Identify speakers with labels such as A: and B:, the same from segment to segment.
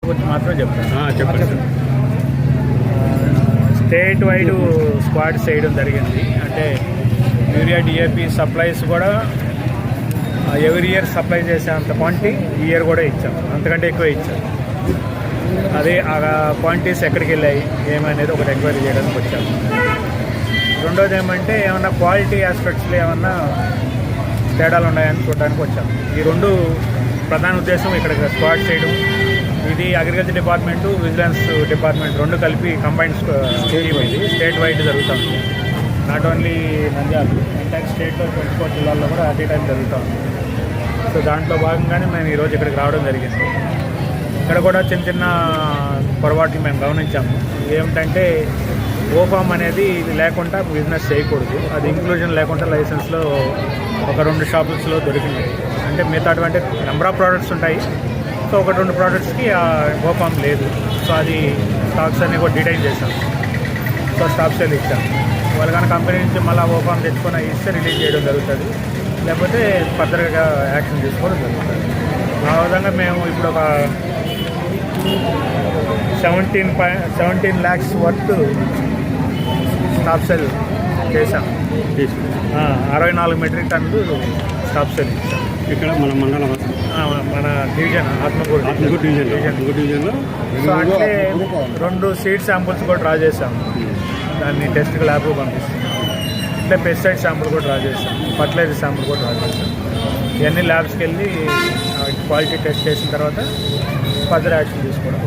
A: గురించి మాత్రం చెప్తాను.
B: చెప్పండి.
A: స్టేట్ వైడ్ స్క్వాడ్ చేయడం జరిగింది. అంటే యూరియా డిఏపి సప్లైస్ కూడా ఎవ్రీ ఇయర్ సప్లై చేసేంత క్వాంటిటీ ఈ ఇయర్ కూడా ఇచ్చాం, అంతకంటే ఎక్కువ ఇచ్చాం. అదే ఆ క్వాంటిటీస్ ఎక్కడికి వెళ్ళాయి ఏమనేది ఒకటి ఎంక్వైరీ చేయడానికి వచ్చాము. రెండోది ఏమంటే ఏమన్నా క్వాలిటీ ఆస్పెక్ట్స్లో ఏమన్నా తేడాలు ఉన్నాయని చూడడానికి వచ్చాము. ఈ రెండు ప్రధాన ఉద్దేశం ఇక్కడ స్క్వాడ్ చేయడం. ఇది అగ్రికల్చర్ డిపార్ట్మెంటు, విజిలెన్స్ డిపార్ట్మెంట్ రెండు కలిపి కంబైన్డ్ స్టేట్ ఇది స్టేట్ వైడ్ జరుగుతుంది. నాట్ ఓన్లీ నంద్యాల, ఎంటైర్ స్టేట్లో 24 జిల్లాల్లో కూడా అట్ ఏ టైం జరుగుతుంది. సో దాంట్లో భాగంగానే మేము ఈరోజు ఇక్కడికి రావడం జరిగింది. ఇక్కడ కూడా చిన్న చిన్న పొరపాట్లు మేము గమనించాము. ఏమిటంటే ఓఫామ్ అనేది ఇది లేకుండా బిజినెస్ చేయకూడదు. అది ఇంక్లూజన్ లేకుండా లైసెన్స్లో ఒక 2 షాపుల్స్లో దొరికినాయి. అంటే మిగతా అటువంటి నెంబర్ ఆఫ్ ప్రోడక్ట్స్ ఉంటాయి. సో 1-2 ప్రోడక్ట్స్కి ఓఫామ్ లేదు. సో అది స్టాక్స్ అన్నీ కూడా డిటైన్ చేశాం. సో స్టాప్ సేల్ ఇచ్చాం. వాళ్ళు కానీ కంపెనీ నుంచి మళ్ళీ ఓఫామ్ తెచ్చుకొని ఇస్తే రిలీజ్ చేయడం జరుగుతుంది, లేకపోతే ఫర్దర్గా యాక్షన్ తీసుకోవడం జరుగుతుంది. ఆ విధంగా మేము ఇప్పుడు ఒక 17 lakhs వర్త్ స్టాప్ సేల్ చేశాం. 64 మెట్రిక్ టన్నులు స్టాప్ సేల్ ఇచ్చాం.
B: ఇక్కడ మన మండలం,
A: మన డివిజన్ ఆత్మకూరు
B: డివిజన్లో.
A: సో అంటే 2 సీడ్ శాంపుల్స్ కూడా డ్రా చేసాం. దాన్ని టెస్ట్కి ల్యాబ్కు పంపిస్తున్నాం. అంటే పెస్టిసైడ్ శాంపుల్ కూడా డ్రా చేసాం, ఫర్టిలైజర్ శాంపుల్ కూడా డ్రా చేసాం. ఇవన్నీ ల్యాబ్స్కి వెళ్ళి క్వాలిటీ టెస్ట్ చేసిన తర్వాత ఫర్దర్ యాక్షన్ తీసుకోవడం.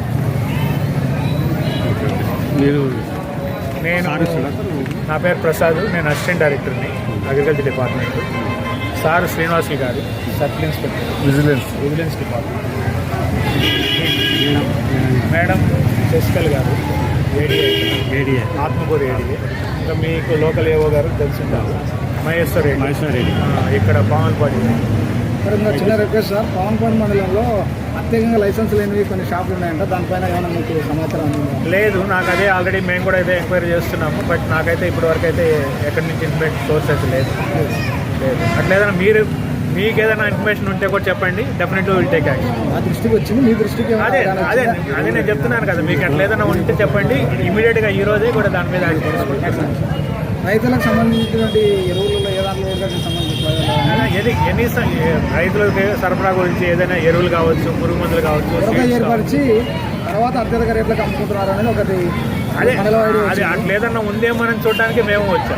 A: నా పేరు ప్రసాద్, నేను అసిస్టెంట్ డైరెక్టర్ని అగ్రికల్చర్ డిపార్ట్మెంట్. సార్ శ్రీనివాసులు గారు circle inspector vigilance department. Madam Sasikala గారు ఏడీఏ ఆత్మకూరు ఏడీఏ. ఇంకా మీకు లోకల్ ఏవో గారు తెలిసింటారు మహేశ్వర్ రెడ్డి ఇక్కడ పావన్పాడి.
C: ఇంకా చిన్న రిక్వెస్ట్ సార్, పావన్పాడి మండలంలో ప్రత్యేకంగా లైసెన్స్ లేనివి కొన్ని షాపులు ఉన్నాయంట, దానిపైన ఏమైనా మీకు సమాచారం
A: లేదు. నాకు అదే ఆల్రెడీ మేము కూడా ఇదే ఎంక్వైరీ చేస్తున్నాము. బట్ నాకైతే ఇప్పటివరకు అయితే ఎక్కడి నుంచి ఇన్ఫర్మేషన్ సోర్స్ అయితే లేదు. అట్లేదన్నా మీకు ఏదైనా ఇన్ఫర్మేషన్ ఉంటే కూడా చెప్పండి, డెఫినెట్లీ విల్ టేక్ యాక్షన్.
C: మా దృష్టికి వచ్చింది, మీ దృష్టికి
A: అదే నేను చెప్తున్నాను కదా, మీకు అట్లా ఏదైనా ఉంటే చెప్పండి, ఇమీడియట్గా ఈ రోజే కూడా దాని మీద యాక్షన్ తీసుకుంటాం.
C: రైతులకు సంబంధించినటువంటి ఎరువులలో ఏ దాంట్లో
A: రైతులకు సరఫరా గురించి ఏదైనా ఎరువులు కావచ్చు, పురుగు మందులు కావచ్చు
C: ఏర్పరిచి తర్వాత అత్యధిక రేట్లకు అమ్ముకుంటున్నారు అనేది ఒకటి.
A: అదే అట్లా ఏదన్నా ఉందేమని చూడడానికి మేము వచ్చాం.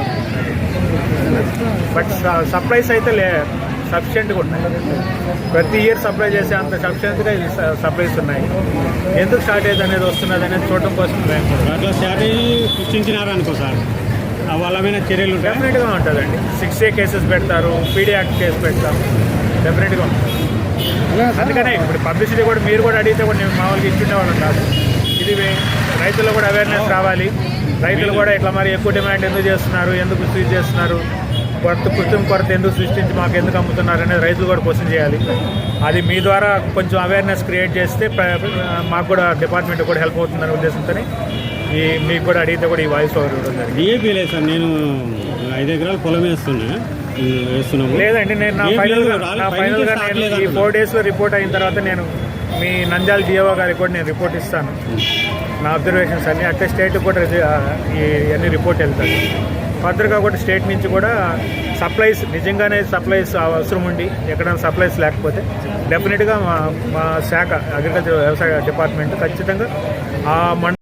A: బట్ సప్లైస్ అయితే సఫిషియెంట్గా ఉన్నాయి. ప్రతి ఇయర్ సప్లై చేసే అంత సఫిషియెంట్గా సప్లైస్ ఉన్నాయి. ఎందుకు షార్టేజ్ అనేది వస్తున్నది అనేది చూడటం కోసం మేము
B: అట్లా షార్టేజ్ సృష్టించినారనుకో సార్, వాళ్ళ మీద చర్యలు
A: డెఫినెట్గా ఉంటుందండి. 6A కేసెస్ పెడతారు, పీడీ యాక్ట్ కేసు పెడతాం, డెఫినెట్గా ఉంటుంది. అందుకనే ఇప్పుడు పబ్లిసిటీ కూడా మీరు కూడా అడిగితే కూడా నేను మామూలుగా ఇచ్చుండేవాళ్ళం కాదు. ఇది రైతుల్లో కూడా అవేర్నెస్ రావాలి. రైతులు కూడా ఇట్లా మరి ఎక్కువ డిమాండ్ ఎందుకు చేస్తున్నారు, ఎందుకు స్వీట్ చేస్తున్నారు, కృత్రిమ కొరత ఎందుకు సృష్టించి మాకు ఎందుకు అమ్ముతున్నారు అనేది రైతులు కూడా క్వశ్చన్ చేయాలి. అది మీ ద్వారా కొంచెం అవేర్నెస్ క్రియేట్ చేస్తే మాకు కూడా డిపార్ట్మెంట్ కూడా హెల్ప్ అవుతుందనే ఉద్దేశంతో మీకు కూడా అడిగితే కూడా ఈ వాయిస్ ఓవర్ ఇవ్వడం జరిగింది.
B: డిఏపీ లేదు సార్, నేను 5 ఎకరాలు పొలం వేస్తున్నాము.
A: లేదండి, నేను నా ఫైనల్గా నేను ఈ 4 daysలో రిపోర్ట్ అయిన తర్వాత నేను మీ నంద్యాల డిఓ గారికి కూడా నేను రిపోర్ట్ ఇస్తాను. నా అబ్జర్వేషన్స్ అన్నీ అంటే స్టేట్కి కూడా ఇవన్నీ రిపోర్ట్ వెళ్తాయి. ఫర్దర్గా కూడా స్టేట్ నుంచి కూడా సప్లైస్ నిజంగానే సప్లైస్ అవసరం ఉండి ఎక్కడైనా సప్లైస్ లేకపోతే డెఫినెట్గా మా శాఖ అగ్రికల్చర్ వ్యవసాయ డిపార్ట్మెంట్ ఖచ్చితంగా ఆ